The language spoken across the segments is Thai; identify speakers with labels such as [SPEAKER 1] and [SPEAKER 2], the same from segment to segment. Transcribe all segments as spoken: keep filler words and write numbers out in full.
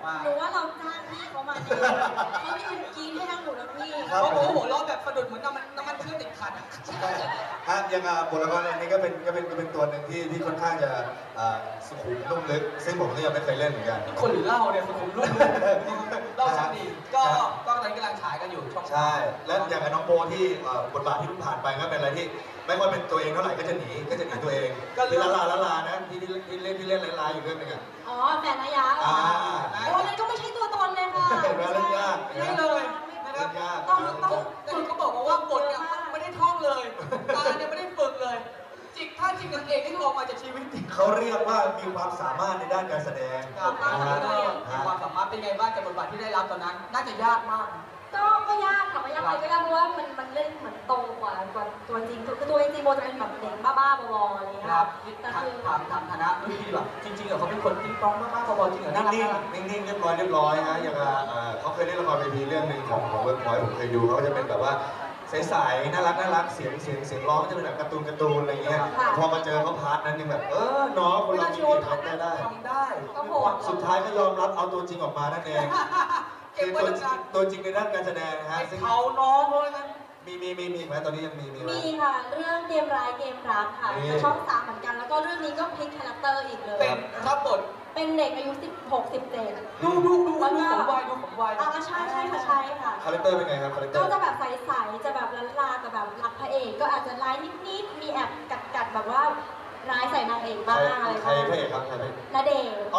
[SPEAKER 1] มา
[SPEAKER 2] หนูว่าเราจ้างพี่เขามาเนี่ยเขายืนกินให้ทั้งหนูทั้งพี่
[SPEAKER 1] เพราะโอ้โหล้อแบบสะดุดเหมือนน้ำมันน้ำมันเครื่องติดขัด
[SPEAKER 3] ฮะยังอ่ะบทละครอันนี้ก็เป็นก็เป็นก็เป็นตัวหนึ่งที่ที่ค่อนข้างจะอ่าสุขุมนุ่มลึกซึ่งผมก็ยังไม่เคยเล่นเหมือนกัน
[SPEAKER 1] คนหรือเล่าเนี่ยสุขุมรุ่มเล่าช่างดีก็ก็ตอนนี้กำลังฉายกันอยู่ช่อง
[SPEAKER 3] ใช่ และอย่างกับน้องโบที่เอ่อบทบาทที่เพิ่งผ่านไปก็เป็นอะไรที่ไม่ค่อยเป็นตัวเองเท่าไหร่ก็จะหนีก็จะหนีตัวเองก็ละลาละลานะที่ที่ที่เล่นที่เล่นลายๆอยู่เรื่องหนึงอ่ะ
[SPEAKER 2] อ๋อแฟนนายะเหรอ
[SPEAKER 3] อ่า
[SPEAKER 2] โอ้นั่นก็ไม่ใช่ตัวตนเลยค่ะ
[SPEAKER 3] เห็นไหมเล่นยาก
[SPEAKER 1] ไม่เลยนะครับ
[SPEAKER 3] ยาก
[SPEAKER 1] ต้องต้องแต่เขาบอกมาว่าบทเนี่ยไม่ได้ท่องเลยตาเนี่ยไม่ได้ฝึกเลย จิกท่าจิกนางเอกที่ออกมาจากชีวิตจริง
[SPEAKER 3] เขาเรียกว่ามีความสามารถในด้านการแสดง
[SPEAKER 1] ครับ
[SPEAKER 3] นะฮะ
[SPEAKER 1] มีความสามารถเป็นไงบ้างกับบทบาทที่ได้รับตอนนั้น น่าจะยากมาก
[SPEAKER 2] ก็ก็ยากค่ะไม่ยากไปก็ยากเพราะว่ามันมันเล่นเหมือนโตกว่ากว่าตัวจริงคือตัวจริงโบจะเป็นแบบเด็กบ้าๆบอๆอะไรอย่างเงี้ย
[SPEAKER 1] ครับ
[SPEAKER 2] แต่
[SPEAKER 1] ถาม
[SPEAKER 2] คือ
[SPEAKER 1] ถามถามฐานะรุ่นพี่ดีกว่าจริงๆเหรอเขาเป็นคนติ๊งต้องมากๆพอๆจริงเหรอน่ารัก
[SPEAKER 3] นิ่ง
[SPEAKER 1] น่ารัก
[SPEAKER 3] ๆนิ่งๆเรียบร้อยเรียบร้อยฮะอย่างอ่ะเอ่อเขาเคยเล่นละครเวทีเรื่องหนึ่งของของเวิร์กพอยต์ผมเคยดูเขาก็จะเป็นแบบว่าใสๆน่ารักน่ารักเสียงเสียงเสียงร้องจะเป็นแบบการ์ตูนการ์ตูนอะไรเงี้ยพอมาเจอเขาพาร์ทนั้นยังแบบเออน้องคนเรามีเกียรติทำได้ได้
[SPEAKER 1] ทำได้
[SPEAKER 2] ก็โหด
[SPEAKER 3] สุดท้ายก็ยอมรับเอาตัวจริงออกมานั่นเอง
[SPEAKER 1] เก็บ
[SPEAKER 3] คือ
[SPEAKER 1] ไว้
[SPEAKER 3] ตัว
[SPEAKER 1] นาน
[SPEAKER 3] ตัวจริงในด้านการแสดงนะ
[SPEAKER 1] ๆ
[SPEAKER 3] ฮะ
[SPEAKER 1] ไอ้
[SPEAKER 3] ซึ่ง
[SPEAKER 1] เขาน้องเลยนะ
[SPEAKER 3] มีมีมีมีอีกไหมตอนนี้ยังมีมีไหม
[SPEAKER 2] มีค่ะเรื่องเกมร้ายเกมรักค่ะ
[SPEAKER 3] นี่
[SPEAKER 2] ในช่องสามเหมือนกันแล้วก็เรื่องนี้ก็พลิกคาแรคเตอร์อีกเลย
[SPEAKER 1] เป็นรับบท
[SPEAKER 2] เป็นเด็กอายุสิบหก สิบเจ็ด
[SPEAKER 1] ดูดูดูดูผมวัยดูผมวัย
[SPEAKER 2] อ่าใช่ใช่ค่ะใช่ค่ะ
[SPEAKER 3] คาแรคเตอร์เป็นไงครับคาแรคเตอ
[SPEAKER 2] ก็
[SPEAKER 3] ร์
[SPEAKER 2] จะแบบใสๆจะแบบลันลาแต่แบบรักพระเอก ก็อาจจะร้ายนิดๆมีแอบกัดๆแบบว่าร้ายใส่นางเอก
[SPEAKER 3] ใคร
[SPEAKER 2] บ้างอะไร
[SPEAKER 3] ใคร
[SPEAKER 2] บ้าง
[SPEAKER 3] พระเอกครับใครพระเอก
[SPEAKER 2] ณเดชน์
[SPEAKER 3] โอ้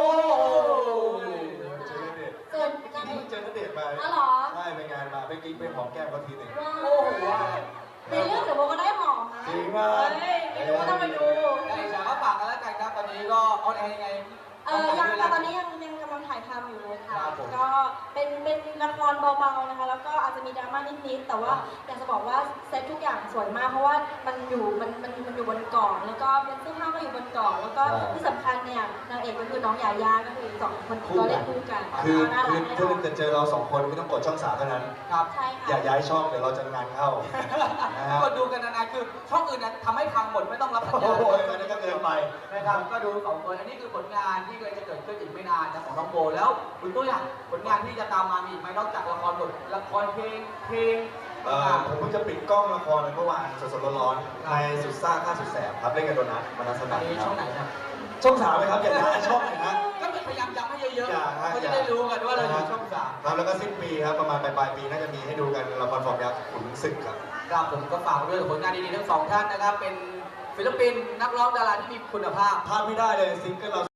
[SPEAKER 2] เจอ
[SPEAKER 3] เจอณเดชน์
[SPEAKER 2] นางเอก
[SPEAKER 3] เจอณเดชน์มา
[SPEAKER 2] อ๋อเหรอ
[SPEAKER 3] ใช่ไปงานมาไปกิ๊กไปหอมแก้มเขาทีหนึ่ง
[SPEAKER 2] ว้า
[SPEAKER 1] โอ้โห
[SPEAKER 2] วในเรื่องเดี๋ยวโบก็ได้หอมนะ
[SPEAKER 3] จริงป่ะ
[SPEAKER 2] เฮ้ยไม่รู้ว่าต้องไปดู
[SPEAKER 1] ได้จ้ะก็ฝากกันแล้วกันครับตอนนี้ก็ออนแอร์ยังไง
[SPEAKER 2] เออยังค่ะตอนนี้ยังยังกำลังถ่ายทำอยู่เลยค่ะ
[SPEAKER 1] ครับผม
[SPEAKER 2] ก็เป็นเป็นละครเบาๆนะคะ แล้วก็อาจจะมีดราม่านิดๆแต่ว่าอยากจะบอกว่าเซตทุกอย่างสวยมาก เพราะว่ามันอยู่มันมันมันอยู่บนเกาะแล้วก็เป็นเสื้อผ้าก็อยู่บนเกาะแล้วก็ที่สำคัญเนี่ยนางเอกก็คือน้องยาย่าก็คือสองคนก็เล่นคู่กัน
[SPEAKER 3] คือ
[SPEAKER 2] น่ารั
[SPEAKER 3] คื
[SPEAKER 2] ก
[SPEAKER 3] อ
[SPEAKER 2] แน่น
[SPEAKER 3] ถ้า
[SPEAKER 2] อน
[SPEAKER 3] จะเจอเราสองคนไม่ต้องกดช่องสามเท่านั้น
[SPEAKER 1] ครับ
[SPEAKER 2] ใช่
[SPEAKER 3] อย่า
[SPEAKER 2] ค่ะ
[SPEAKER 3] ย้ายช่องเดี๋ยวเราจะงานเข้านะฮะ
[SPEAKER 1] ก็ดูกันนานๆคือช่องอื่นนะทำให้พังหมดไม่ต้องรับสัญ
[SPEAKER 3] โอ้
[SPEAKER 1] ญา
[SPEAKER 3] โหอันนี้ก็เกินไป
[SPEAKER 1] นะครับก็ดูสองคนอันนี้คือผลงานที่กำลังจะเกิดขึ้นอีกไม่นานนะของน้องโบแล้วคุณตุ้ยอ่ะผลงานที่จะตามมามีอีกไหมนอกจากละครบทละครเพลงเพลง
[SPEAKER 3] เอ่อผมเพิ่งจะปิดกล้องละครเมื่อวานสดๆร้อนๆในสุดซ่าข้าสุดแสบครับเล่นกับโดนัทมนัส
[SPEAKER 1] อั
[SPEAKER 3] นั
[SPEAKER 1] น
[SPEAKER 3] น
[SPEAKER 1] นี้
[SPEAKER 3] ครั
[SPEAKER 1] ช่อบ งไหนนะ
[SPEAKER 3] ช่องสามไหมครับอย่าย้ายช่องนะฮะ
[SPEAKER 1] ก็พยายามย้ำให้เยอะ
[SPEAKER 3] อย่าฮะ
[SPEAKER 1] ๆเขาจะได้รู้กันว่าเราอยู่ช่องสาม
[SPEAKER 3] ครับแล้วก็สิ้นปีครับประมาณปลายๆปีน่าจะมีให้ดูกันละครฟอร์มยักษ์ขุนศึกครับ
[SPEAKER 1] ครับผมก็ฝากด้วยกับผลงานดีๆทั้งสองท่านนะครับเป็นศิลปินนักร้องดาราที่มีคุณภาพ
[SPEAKER 3] พลาดไม่ได้เลยซิงเกิลเรา